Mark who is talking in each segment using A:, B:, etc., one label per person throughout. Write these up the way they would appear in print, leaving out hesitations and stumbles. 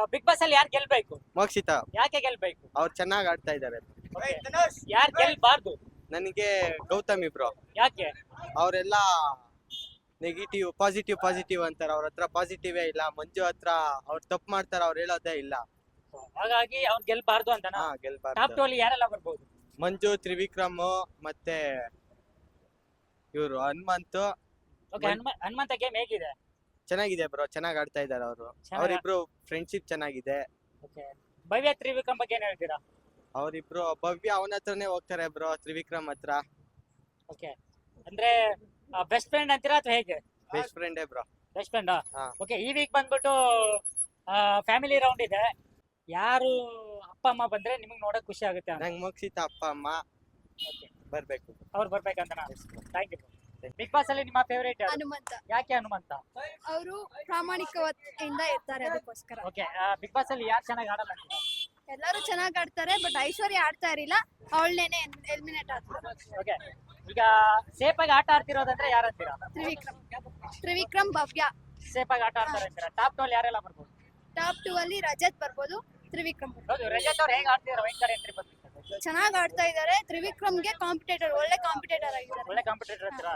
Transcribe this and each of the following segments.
A: Big boss ಅಲ್ಲಿ ಯಾರು ಗೆಲ್ಬೇಕು?
B: ಮೋಕ್ಷಿತ
A: ಯಾಕೆ ಗೆಲ್ಬೇಕು?
B: ಅವ್ರು ಚೆನ್ನಾಗಿ ಆಡ್ತಾ ಇದ್ದಾರೆ.
A: ಯಾರು ಗೆಲ್ಬಾರ್ದು?
B: ನನಗೆ ಗೌತಮಿ ಬ್ರೋ.
A: ಯಾಕೆ?
B: ಅವರೆಲ್ಲ ನೆಗೆಟಿವ್ ಪಾಸಿಟಿವ್ ಅಂತಾರೆ. ಅವ್ರ ಹತ್ರ ಪಾಸಿಟಿವೇ ಇಲ್ಲ. ಮಂಜು ಹತ್ರ ಅವ್ರು ತಪ್ಪು ಮಾಡ್ತಾರೆ, ಅವ್ರು ಹೇಳೋದೇ ಇಲ್ಲ.
A: ಹಾಗಾಗಿ ಅವ್ರು ಗೆಲ್ಬಾರ್ದು ಅಂತನಾ? ಟಾಪ್
B: ಗೆಲ್ಬಾರ್ದು.
A: 2 ಅಲ್ಲಿ ಯಾರೆಲ್ಲ ಬರ್ಬೋದು?
B: ಮಂಜು, ತ್ರಿವಿಕ್ರಮ್ ಮತ್ತೆ ಇವರು ಹನುಮಂತು.
A: ಓಕೆ, ಹನುಮಂತ ಗೇಮ್ ಹೇಗಿದೆ?
B: ಚೆನ್ನಾಗಿದೆ ಬ್ರೋ, ಚೆನ್ನಾಗಿ ಆಡ್ತಾ ಇದ್ದಾರೆ ಅವರು. ಅವರಿಬ್ರು ಫ್ರೆಂಡ್ಶಿಪ್ ಚೆನ್ನಾಗಿದೆ.
A: ಓಕೆ, ಭವ್ಯ ತ್ರಿವಿಕ್ರಮ್ ಬಗ್ಗೆ ಏನ್ ಹೇಳ್ತೀರಾ?
B: ಅವರಿಬ್ರು ಭವ್ಯ ಅವನ ಹತ್ರನೇ ಹೋಗ್ತಾರೆ ಬ್ರೋ, ತ್ರಿವಿಕ್ರಮ್ ಹತ್ರ.
A: ಓಕೆ, ಅಂದ್ರೆ ಬೆಸ್ಟ್ ಫ್ರೆಂಡ್ ಅಂತೀರಾ ಅಥವಾ ಹೇಗೆ?
B: ಬೆಸ್ಟ್ ಫ್ರೆಂಡೇ ಬ್ರೋ.
A: ಬೆಸ್ಟ್ ಫ್ರೆಂಡಾ?
B: ಹಾ.
A: ಓಕೆ, ಈ ವೀಕ್ ಬಂದ್ಬಿಟ್ಟು ಫ್ಯಾಮಿಲಿ ರೌಂಡ್ ಇದೆ. ಯಾರು ಅಪ್ಪ ಅಮ್ಮ ಬಂದ್ರೆ ನಿಮಗೆ ನೋಡಕ್ ಖುಷಿ ಆಗುತ್ತೆ ಅಂತ?
B: ನಂಗೆ ಮೋಕ್ಷಿತ ಅಪ್ಪ ಅಮ್ಮ ಬರ್ಬೇಕು.
A: ಅವ್ರು ಬರ್ಬೇಕಂತ. Thank you. ಬಿಗ್ ಬಾಸ್ ಅಲ್ಲಿ ನಿಮ್ಮ ಫೇವರೇಟ್
C: ಹನುಮಂತ.
A: ಯಾಕೆ ಹನುಮಂತ?
C: ಅವರು ಪ್ರಾಮಾಣಿಕತೆಯಿಂದ ಇರ್ತಾರೆ, ಅದಕ್ಕೋಸ್ಕರ.
A: ಓಕೆ, ಬಿಗ್ ಬಾಸ್ ಅಲ್ಲಿ ಯಾರು ಚೆನ್ನಾಗಿ ಆಡಲ್ಲ ಅಂತೀರಾ?
C: ಎಲ್ಲರೂ ಚೆನ್ನಾಗಿ ಆಡ್ತಾರೆ, ಬಟ್ ಐಶ್ವರ್ಯ ಆಡ್ತಾ ಇರಲಿಲ್ಲ, ಅವಳನ್ನೇ ಎಲಿಮಿನೇಟ್ ಆದ್ರು.
A: ಓಕೆ, ಈಗ ಸೇಫ್ ಆಗಿ ಆಟ ಆಡ್ತಿರೋದಂದ್ರೆ ಯಾರಂತೀರಾ?
C: ತ್ರಿವಿಕ್ರಮ್, ಭವ್ಯ
A: ಸೇಫ್ ಆಗಿ ಆಟ ಆಡ್ತಾರೆ ಅಂತೀರಾ? ಟಾಪ್ 2 ಅಲ್ಲಿ ಯಾರೆಲ್ಲ ಬರ್ಬೋದು?
C: ಟಾಪ್ 2 ಅಲ್ಲಿ ರಜತ್ ಬರ್ಬೋದು, ತ್ರಿವಿಕ್ರಮ್ ಬರ್ಬೋದು.
A: ಹೌದು, ರಜತ್ ಅವ್ರು ಹೇಗೆ ಆಡ್ತಿದಾರೆ? ವೈಟ್ ಕಾರ್ಡ್ ಎಂಟ್ರಿ ಬಂದಿದ್ದಾರೆ,
C: ಚೆನ್ನಾಗಿ ಆಡ್ತಾ ಇದ್ದಾರೆ. ತ್ರಿವಿಕ್ರಮ್ಗೆ ಕಾಂಪಿಟೇಟರ್, ಒಳ್ಳೆ ಕಾಂಪಿಟೇಟರ್ ಆಗಿದ್ದಾರೆ.
A: ಒಳ್ಳೆ ಕಾಂಪಿಟೇಟರ್ ಅಂತೀರಾ?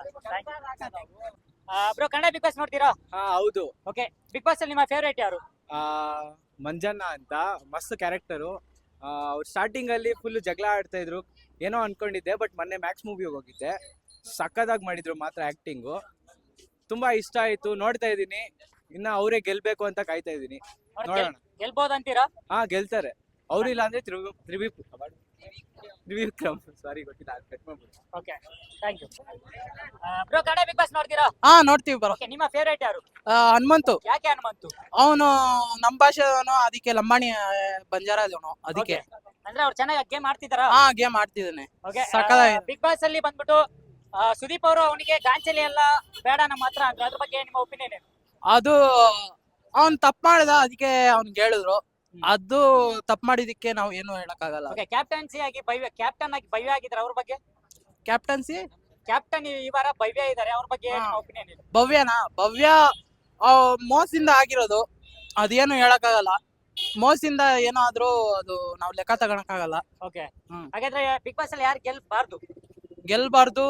A: ಬ್ರೋ, ಕನ್ನಡ ಬಿಗ್ ಬಾಸ್ ನೋಡ್ತೀರಾ?
D: ಹೌದು.
A: ಓಕೆ, ಬಿಗ್ ಬಾಸ್ ಅಲ್ಲಿ ನಿಮ್ಮ ಫೇವರೇಟ್ ಯಾರು?
D: ಮಂಜಣ್ಣ ಅಂತ ಮಸ್ತ್ ಕ್ಯಾರೆಕ್ಟರು. ಅವ್ರು ಸ್ಟಾರ್ಟಿಂಗ್ ಅಲ್ಲಿ ಫುಲ್ ಜಗಳ ಆಡ್ತಾ ಇದ್ರು, ಏನೋ ಅನ್ಕೊಂಡಿದ್ದೆ. ಬಟ್ ಮೊನ್ನೆ ಮ್ಯಾಕ್ಸ್ ಮೂವಿಗೆ ಹೋಗಿದ್ದೆ, ಸಕ್ಕದಾಗಿ ಮಾಡಿದ್ರು ಮಾತ್ರ. ಆಕ್ಟಿಂಗು ತುಂಬಾ ಇಷ್ಟ ಆಯ್ತು, ನೋಡ್ತಾ ಇದೀನಿ. ಇನ್ನ ಅವರೇ ಗೆಲ್ಬೇಕು ಅಂತ ಕಾಯ್ತಾ ಇದೀನಿ. ನೋಡೋಣ.
A: ಗೆಲ್ಬೋದಂತೀರಾ?
D: ಗೆಲ್ತಾರೆ. ಅವ್ರಿಲ್ಲ ಅಂದ್ರೆ ತ್ರಿವಿಕ್ರಮ್. ಸಾರಿ, ಗೊತ್ತಿಲ್ಲ.
A: Okay, thank you. Bro, Kannada big boss ನೋಡ್ತೀರಾ?
E: ನೋಡ್ತೀವಿ ಬರೋ.
A: ಓಕೆ, ನಿಮ್ಮ ಫೇವರೇಟ್ ಯಾರು?
E: ಹನುಮಂತು.
A: ಯಾಕೆ ಹನುಮಂತು?
E: ಅವನು ನಮ್ಮ ಭಾಷೆದವನು, ಅದಕ್ಕೆ ಲಂಬಾಣಿ ಬಂಜಾರದವನು, ಅದಕ್ಕೆ.
A: ಅಂದ್ರೆ ಅವ್ರು ಚೆನ್ನಾಗಿ ಗೇಮ್ ಆಡ್ತಿದಾರಾ?
E: ಗೇಮ್ ಆಡ್ತಿದ್ದಾನೆ.
A: ಓಕೆ,
E: ಸಕ್ಕತ್ತಾಗಿದೆ.
A: ಬಿಗ್ ಬಾಸ್ ಅಲ್ಲಿ ಬಂದ್ಬಿಟ್ಟು ಸುದೀಪ್ ಅವರು ಅವನಿಗೆ ಗಾಂಚಲಿ ಎಲ್ಲ ಬೇಡ ನಮ್ಮ ಹತ್ರ ಅಂತ, ಅದ್ರ ಬಗ್ಗೆ ನಿಮ್ಮ ಒಪಿನಿಯನ್ ಏನು?
E: ಅದು ಅವ್ನ್ ತಪ್ಪು ಮಾಡಿದ, ಅದಕ್ಕೆ ಅವ್ನಿಗೆ ಹೇಳಿದ್ರು. ಅದು ತಪ್ಪು ಮಾಡಿದಕ್ಕೆ ನಾವು ಏನು ಹೇಳಕ್ಕಾಗಲ್ಲ.
A: ಓಕೆ, ಕ್ಯಾಪ್ಟನ್ ಆಗಿ ಭವ್ಯ ಆಗಿದ್ದಾರೆ, ಅವ್ರ ಬಗ್ಗೆ?
E: ಕ್ಯಾಪ್ಟನ್ಸಿ
A: ಕ್ಯಾಪ್ಟನ್ ಈ ವಾರ ಭವ್ಯ ಇದ್ದಾರೆ, ಅವ್ರ ಬಗ್ಗೆ ಒಪಿನಿಯನ್ ಏನು?
E: ಭವ್ಯ ಮೋಸದಿಂದ ಆಗಿರೋದು, ಅದೇನು ಹೇಳಕ್ಕಾಗಲ್ಲ. ಮೋಸದಿಂದ ಏನಾದ್ರೂ ಅದು ನಾವು ಲೆಕ್ಕ ತಗೊಳಕ್ಕಾಗಲ್ಲ.
A: ಓಕೆ, ಹಾಗಾದ್ರೆ ಬಿಗ್ ಬಾಸ್ ಅಲ್ಲಿ ಯಾರು
E: ಗೆಲ್ಬಾರ್ದು?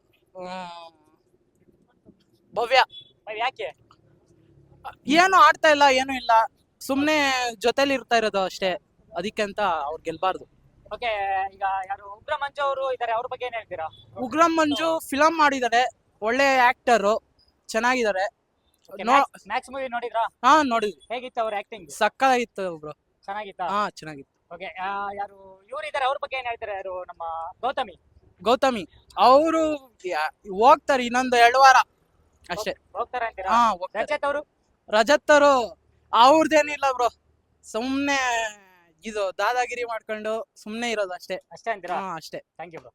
E: ಭವ್ಯ.
A: ಯಾಕೆ?
E: ಏನು ಆಡ್ತಾ ಇಲ್ಲ, ಏನು ಇಲ್ಲ, ಸುಮ್ನೆ ಜೊತೆಲಿ ಇರ್ತಾ ಇರೋದು ಅಷ್ಟೇ, ಅದಕ್ಕೆ ಅಂತ ಅವ್ರು ಗೆಲ್ಬಾರ್ದು.
A: ಓಕೆ, ಈಗ ಯಾರು ಉಗ್ರ ಮಂಜು ಅವರು ಇದಾರೆ, ಅವ್ರ ಬಗ್ಗೆ ಏನ್ ಹೇಳ್ತೀರಾ?
E: ಉಗ್ರಂ ಮಂಜು ಫಿಲಂ ಮಾಡಿದ್ದಾರೆ, ಒಳ್ಳೆ ಆಕ್ಟರ್, ಚೆನ್ನಾಗಿದ್ದಾರೆ.
A: ಮ್ಯಾಕ್ಸ್ ಮೂವಿ ನೋಡಿದ್ರಾ?
E: ನೋಡಿದ್ವಿ.
A: ಹೇಗಿತ್ತು ಅವ್ರ ಆಕ್ಟಿಂಗ್?
E: ಸಕ್ಕತ್ತಾಗಿತ್ತು ಬ್ರೋ.
A: ಚೆನ್ನಾಗಿತ್ತಾ?
E: ಚೆನ್ನಾಗಿತ್ತು.
A: ಓಕೆ, ಯಾರು ಇವ್ರು ಇದಾರೆ, ಅವ್ರ ಬಗ್ಗೆ ಏನ್ ಹೇಳ್ತಾರೆ? ಯಾರು ನಮ್ಮ
E: ಗೌತಮಿ ಅವರು ಹೋಗ್ತಾರೆ ಇನ್ನೊಂದು 2 ವಾರ ಅಷ್ಟೇ.
A: ಹೋಗ್ತಾರೆ ಅಂತೀರಾ? ರಜತ್ ಅವರು
E: ಅವ್ರದ್ದೇನಿಲ್ಲ ಬ್ರೋ, ಸುಮ್ನೆ ಇದು ದಾದಾಗಿರಿ ಮಾಡ್ಕೊಂಡು ಸುಮ್ನೆ ಇರೋದು ಅಷ್ಟೇ
A: ಅಂತೀರಾ?
E: ಅಷ್ಟೇ.
A: Thank you bro.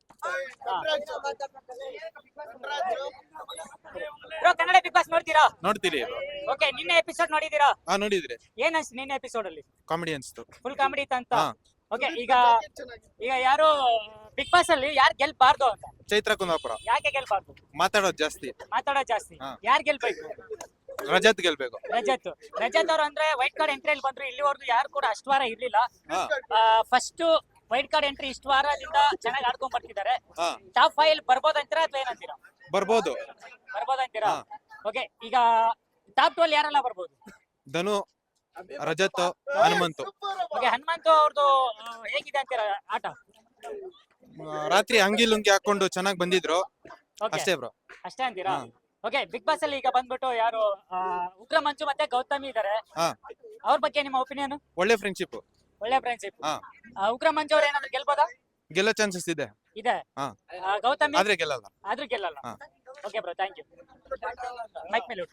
A: Kannada big boss ನೋಡ್ತೀರಾ?
F: ನೋಡ್ತೀರಿ.
A: ಓಕೆ, ನಿನ್ನೆ ಎಪಿಸೋಡ್ ನೋಡಿದೀರಾ?
F: ನೋಡಿದ್ರಿ.
A: ಏನ್ ಅನ್ಸ್ತು ನಿನ್ನೆ ಎಪಿಸೋಡ್ ಅಲ್ಲಿ?
F: ಕಾಮಿಡಿ ಅನ್ಸ್ತು,
A: ಫುಲ್ ಕಾಮಿಡಿ ಅಂತ. ಓಕೆ, ಈಗ ಯಾರು ಬಿಗ್ ಬಾಸ್ ಅಲ್ಲಿ ಯಾರು ಗೆಲ್ಬಾರ್ದು ಅಂತ?
F: ಚೈತ್ರ ಕುಂದಾಪುರ.
A: ಯಾಕೆ ಗೆಲ್ಬಾರ್ದು?
F: ಮಾತಾಡೋದು ಜಾಸ್ತಿ.
A: ಯಾರು ಗೆಲ್ಬೇಕು?
F: ರಜತ್ ಗೆಲ್ಬೇಕು.
A: ರಜತ್ ಅವರು ಅಂದ್ರೆ ವೈಟ್ ಕಾರ್ಡ್ ಎಂಟ್ರಿಯಲ್ಲಿ ಬಂದ್ರು, ಇಲ್ಲಿವರೆಗೂ ಯಾರು ಕೂಡ ಅಷ್ಟು ವಾರ ಇರ್ಲಿಲ್ಲ. ಫಸ್ಟ್ ವೈಟ್ ಕಾರ್ಡ್ ಎಂಟ್ರಿ ಇಷ್ಟು ವಾರದಿಂದ ಚೆನ್ನಾಗಿ ಆಡ್ಕೊಂಡ್ ಬರ್ತಿದ್ದಾರೆ. ಟಾಪ್ 5 ಬರ್ಬೋದಂತೀರಾ ಅಥವಾ ಏನಂತೀರಾ? ಬರ್ಬೋದಂತೀರಾ? ಓಕೆ, ಈಗ ಟಾಪ್ 2 ಅಲ್ಲಿ ಯಾರೆಲ್ಲ ಬರ್ಬೋದು?
F: ಧನು, ರಜತ್, ಹನುಮಂತು.
A: ಓಕೆ, ಹನುಮಂತು ಅವ್ರದ್ದು ಹೇಗಿದೆ ಅಂತೀರಾ ಆಟ?
F: ರಾತ್ರಿ ಅಂಗಿ ಲುಂಗಿ ಹಾಕೊಂಡು ಚೆನ್ನಾಗಿ ಬಂದಿದ್ರು, ಅಷ್ಟೇ ಬ್ರೋ.
A: ಅಷ್ಟೇ ಅಂತೀರಾ? ಓಕೆ, ಬಿಗ್ ಬಾಸ್ ಅಲ್ಲಿ ಈಗ ಬಂದ್ಬಿಟ್ಟು ಯಾರು ಉಗ್ರ ಮಂಜು ಮತ್ತೆ ಗೌತಮಿ ಇದಾರೆ, ಅವ್ರ ಬಗ್ಗೆ ನಿಮ್ಮ ಒಪಿನಿಯನ್?
F: ಒಳ್ಳೆ ಫ್ರೆಂಡ್ಶಿಪ್.
A: ಉಗ್ರ ಮಂಜು ಅವ್ರು ಏನಾದ್ರು ಗೆಲ್ಬೋದಾ?
F: ಗೆಲ್ಲೋ ಚಾನ್ಸಸ್ ಇದೆ.
A: ಗೌತಮಿ
F: ಆದ್ರೆ ಗೆಲ್ಲಲ್ಲ.
A: Okay bro, thank you. Mic ಮೇಲೆ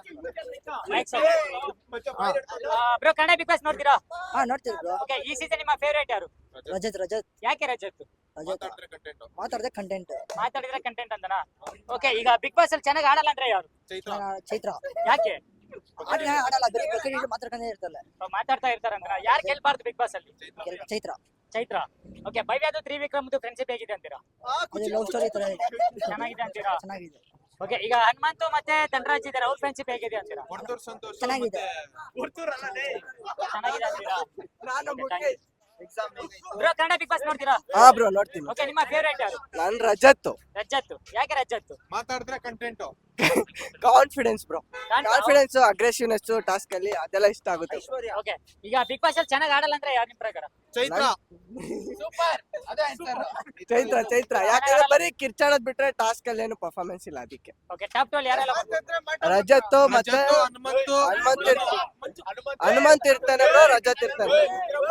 A: ಬ್ರೋ, ಕನ್ನಡ ಬಿಗ್ ಬಾಸ್ ನೋಡ್ತೀರಾ?
G: ನೋಡ್ತೀವಿ ಬ್ರೋ.
A: ಓಕೆ, ಈ ಸೀಸನ್ ನಿಮ್ಮ ಫೇವರೇಟ್ ಯಾರು?
G: ರಜತ್.
A: ಯಾಕೆ ರಜತ್?
G: ಮಾತಾಡಿದ್ರೆ
A: ಕಂಟೆಂಟ್ ಅಂತನಾ? ಓಕೆ, ಈಗ ಬಿಗ್ ಬಾಸ್ ಅಲ್ಲಿ ಚೆನ್ನಾಗಿ ಆಡಲ್ಲ ಅಂದ್ರೆ ಯಾರು?
G: ಚೈತ್ರ.
A: ಯಾಕೆ
G: ಆಡಲ್ಲ, ಮಾತಾಡ್ಕೊಂಡೇ ಇರ್ತಾರೆ.
A: ಮಾತಾಡ್ತಾ ಇರ್ತಾರಂತ. ಯಾರು ಗೆಲ್ಬಾರ್ದು ಬಿಗ್ ಬಾಸ್ ಅಲ್ಲಿ? ಚೈತ್ರ. ಓಕೆ, ಭವ್ಯದು ತ್ರಿವಿಕ್ರಮ್ದು ಫ್ರೆಂಡ್ಶಿಪ್ ಹೇಗಿದೆ ಅಂತೀರಾ?
G: ಲವ್ ಸ್ಟೋರಿ ತರ
A: ಚೆನ್ನಾಗಿದೆ ಅಂತೀರಾ? ಓಕೆ, ಈಗ ಹನುಮಂತು ಮತ್ತೆ ಧನರಾಜ್ ಇದಾರೆ, ಅವ್ರ ಫ್ರೆಂಡ್ಶಿಪ್ ಹೇಗಿದೆ ಅಂತೀರಾ?
F: ವರ್ತೂರ್ ಸಂತೋಷ್
G: ಚೆನ್ನಾಗಿದೆ.
A: ಚೆನ್ನಾಗಿದೆ ಅಂತೀರಾ? ಬ್ರೋ, ಕನ್ನಡ ಬಿಗ್ ಬಾಸ್ ನೋಡ್ತೀರಾ?
G: ಹಾ ಬ್ರೋ ನೋಡ್ತೀನಿ.
A: ಓಕೆ, ನಿಮ್ಮ ಫೇವರೇಟ್ ಯಾರು?
G: ನಾನ್ ರಜತ್.
A: ರಜತ್. ಯಾಕೆ ರಜತ್?
F: ಮಾತಾಡಿದ್ರೆ content.
G: Confidence bro. Confidence, aggressiveness task ಅಲ್ಲಿ ಅದೆಲ್ಲ ಇಷ್ಟ ಆಗುತ್ತೆ.
A: ಓಕೆ, ಈಗ ಬಿಗ್ ಬಾಸ್ ಅಲ್ಲಿ ಚೆನ್ನಾಗಿ ಆಡಲ್ಲ ಅಂದ್ರೆ ಯಾರು ನಿಮ್ ಪ್ರಕಾರ?
F: ಚೈತ್ರ.
G: ಚೈತ್ರ ಯಾಕಂದ್ರೆ ಬರೀ ಕಿರ್ಚಾಡೋದ್ ಬಿಟ್ರೆ ಟಾಸ್ಕ್ ಅಲ್ಲಿ ಏನು ಪರ್ಫಾರ್ಮೆನ್ಸ್ ಇಲ್ಲ ಅದಕ್ಕೆ.
A: ಓಕೆ, ಟಾಪ್ 2 ಯಾರೆಲ್ಲ ಬರ್ಬೋದು?
G: ರಜತ್ ಮತ್ತೆ
F: ಹನುಮಂತು.
G: ಹನುಮಂತ್ ಇರ್ತಾನೆ ಬ್ರೋ, ರಜತ್ ಇರ್ತಾನೆ.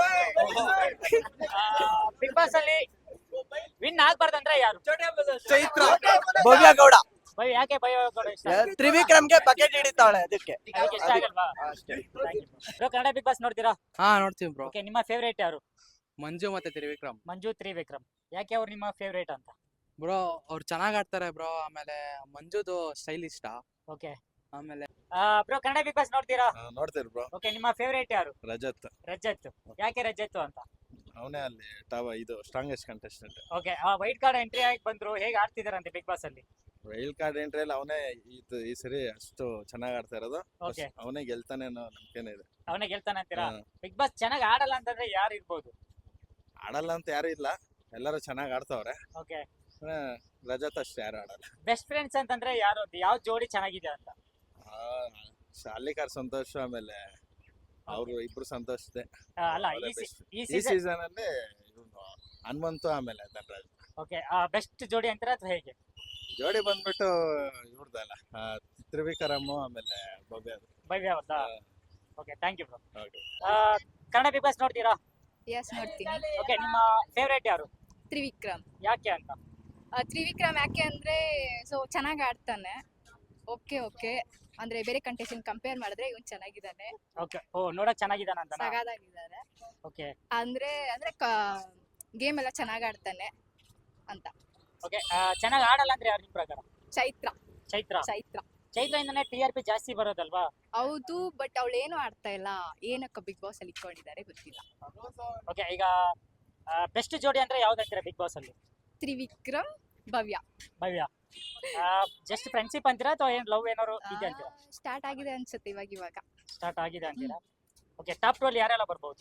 A: ಬಿಗ್ ಬಾಸ್ ಅಲ್ಲಿ ವಿನ್ ಆಗ್ಬಾರ್ದಂದ್ರೆ ಯಾರು?
F: ಚೈತ್ರ.
G: ಭವ್ಯ ಗೌಡ.
A: ಭಯ, ಯಾಕೆ ಭಯ ಗೌಡ ಇಷ್ಟ?
G: ತ್ರಿವಿಕ್ರಮ್ಗೆ ಬಕೆಟ್ ಹಿಡಿತಾಳೆ ಅದಕ್ಕೆ.
A: ಅದಕ್ಕೆ ಇಷ್ಟ ಆಗಲ್ವಾ? ಬ್ರೋ, ಕನ್ನಡ ಬಿಗ್ ಬಾಸ್ ನೋಡ್ತೀರಾ?
E: ಹಾ ನೋಡ್ತೀವಿ ಬ್ರೋ.
A: ಓಕೆ, ನಿಮ್ಮ ಫೇವರೇಟ್ ಯಾರು?
E: ಮಂಜು ಮತ್ತೆ ತ್ರಿವಿಕ್ರಮ್.
A: ಮಂಜು, ತ್ರಿವಿಕ್ರಮ್. ಯಾಕೆ ಅವ್ರು ನಿಮ್ಮ ಫೇವರೇಟ್ ಅಂತ?
E: ಬ್ರೋ ಅವ್ರು ಚೆನ್ನಾಗ್ ಆಡ್ತಾರೆ ಬ್ರೋ. ಆಮೇಲೆ ಮಂಜುದು ಸ್ಟೈಲ್ ಇಷ್ಟ.
A: ಓಕೆ,
E: ಆಮೇಲೆ
A: ಬ್ರೋ, ಕನ್ನಡ ಬಿಗ್ ಬಾಸ್ ನೋಡ್ತೀರಾ?
H: ನೋಡ್ತೀರಿ ಬ್ರೋ.
A: ಓಕೆ, ನಿಮ್ಮ ಫೇವರೇಟ್ ಯಾರು?
H: ರಜತ್
A: ರಜತ್. ಯಾಕೆ ರಜತ್ ಅಂತ?
H: ಅವನೇ ಅಲ್ಲಿ ಇದು strongest contestant.
A: Okay, wild card entry ಆಗಿ ಬಂದ್ರು, ಹೇಗೆ ಆಡ್ತಿದಾರಂತೆ ಬಿಗ್ ಬಾಸ್ ಅಲ್ಲಿ?
H: ವೈಲ್ಡ್ ಕಾರ್ಡ್ ಎಂಟ್ರಿ ಅಲ್ಲಿ ಅವನೇ ಈ ಸರಿ ಅಷ್ಟು ಚೆನ್ನಾಗಿ ಆಡ್ತಾ ಇರೋದು.
A: ಓಕೆ,
H: ಅವನೇ ಗೆಲ್ತಾನೆ ಅನ್ನೋ ನಂಬಿಕೆನೇ ಇದೆ.
A: ಅವನೇ ಗೆಲ್ತಾನೆ ಅಂತೀರಾ?
H: ಹಾ.
A: ಬಿಗ್ ಬಾಸ್ ಚೆನ್ನಾಗಿ ಆಡಲ್ಲ ಅಂತಂದ್ರೆ ಯಾರು ಇರ್ಬೋದು?
H: ಆಡಲ್ಲ ಅಂತ ಯಾರು ಇಲ್ಲ, ಎಲ್ಲರೂ ಚೆನ್ನಾಗಿ ಆಡ್ತಾವ್ರೆ.
A: ಓಕೆ,
H: ರಜತ್ ಅಷ್ಟು ಯಾರು ಆಡಲ್ಲ.
A: ಬೆಸ್ಟ್ ಫ್ರೆಂಡ್ಸ್ ಅಂತಂದ್ರೆ ಯಾರು? ಯಾವ ಜೋಡಿ ಚೆನ್ನಾಗಿದೆ ಅಂತ?
H: ಶಾಲಿಕಾರ್ ಸಂತೋಷ್, ಆಮೇಲೆ ಅವರು ಇಬ್ರು ಸಂತೋಷ್ ಇದೆ.
A: ಅಲ್ಲ,
H: ಅವರೇ
A: ಈ
H: best.
A: ಈ
H: ಈ
A: ಸೀಸನ್.
H: ಸೀಸನ್ ಅಲ್ಲಿ ಇವ್ನು ಹನುಮಂತು ಆಮೇಲೆ ಧನರಾಜ್
A: ಓಕೆ, ಬೆಸ್ಟ್ ಜೋಡಿ ಅಂತೀರಾ ಅಥವಾ ಹೇಗೆ?
H: ಜೋಡಿ ಬಂದ್ಬಿಟ್ಟು ಇವ್ರದಲ್ಲ, ತ್ರಿವಿಕ್ರಮ್ ಆಮೇಲೆ ಭವ್ಯ.
A: ಭವ್ಯ ಅವ್ರದ್ದಾ? Okay, thank you bro.
H: Okay.
A: Kannada big boss ನೋಡ್ತೀರಾ?
C: ಎಸ್ ನೋಡ್ತೀನಿ.
A: ಓಕೆ, ನಿಮ್ಮ ಫೇವರೇಟ್ ಯಾರು?
C: ತ್ರಿವಿಕ್ರಮ್.
A: ಯಾಕೆ ಅಂತ?
C: ತ್ರಿವಿಕ್ರಮ್ ಯಾಕೆ ಅಂದ್ರೆ ಸೊ ಚೆನ್ನಾಗಿ ಆಡ್ತಾನೆ. ಓಕೆ ಅಂದ್ರೆ ಬೇರೆ ಕಂಟೆಸ್ಟೆಂಟ್ ಕಂಪೇರ್ ಮಾಡಿದ್ರೆ ಇವನ್ ಚೆನ್ನಾಗಿದ್ದಾನೆ.
A: ಓಕೆ, ನೋಡಕ್ ಚೆನ್ನಾಗಿದ್ದಾನ ಅಂತ?
C: ಸಗಾದಾಗಿದ್ದಾನೆ.
A: ಓಕೆ,
C: ಅಂದ್ರೆ ಗೇಮ್ ಎಲ್ಲ ಚೆನ್ನಾಗಿ ಆಡ್ತಾನೆ ಅಂತ.
A: ಓಕೆ, ಚೆನ್ನಾಗಿ ಆಡಲ್ಲ ಅಂದ್ರೆ ಯಾರು ನಿಮ್ ಪ್ರಕಾರ?
C: ಚೈತ್ರ.
A: ಚೈತ್ರ. ಚೈತ್ರದಿಂದನೇ TRP ಜಾಸ್ತಿ ಬರೋದಲ್ವಾ?
C: ಹೌದು, ಬಟ್ ಅವಳು ಏನು ಆಡ್ತಾ ಇಲ್ಲ. ಏನಕ್ಕ ಬಿಗ್ ಬಾಸ್ ಅಲ್ಲಿ ಇಟ್ಕೊಂಡಿದ್ದಾರೆ ಗೊತ್ತಿಲ್ಲ.
A: ಓಕೆ, ಈಗ ಬೆಸ್ಟ್ ಜೋಡಿ ಅಂದ್ರೆ ಯಾವ್ದಂತೀರಾ ಬಿಗ್ ಬಾಸ್ ಅಲ್ಲಿ?
C: ತ್ರಿವಿಕ್ರಮ್, ಭವ್ಯ.
A: ಭವ್ಯ. ಜಸ್ಟ್ ಫ್ರೆಂಡ್ಶಿಪ್ ಅಂತೀರಾ ಅಥವಾ ಏನ್ ಲವ್ ಏನಾದ್ರು ಇದೆ ಅಂತೀರಾ?
C: ಸ್ಟಾರ್ಟ್ ಆಗಿದೆ ಅನ್ಸುತ್ತೆ ಇವಾಗ.
A: ಸ್ಟಾರ್ಟ್ ಆಗಿದೆ ಅಂತೀರಾ? ಓಕೆ, ಟಾಪ್ 2 ಅಲ್ಲಿ ಯಾರೆಲ್ಲ ಬರ್ಬೋದು?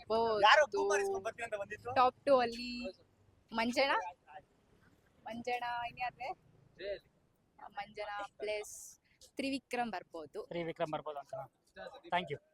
C: ಟಾಪ್ 2 ಅಲ್ಲಿ ಮಂಜನಾ ಇನ್ಯಾರ್ರೆ? ಮಂಜನಾ ಪ್ಲಸ್ ತ್ರಿವಿಕ್ರಮ್ ಬರ್ಬೋದು.
A: ತ್ರಿವಿಕ್ರಮ್ ಬರ್ಬೋದು ಅಂತ. Thank you.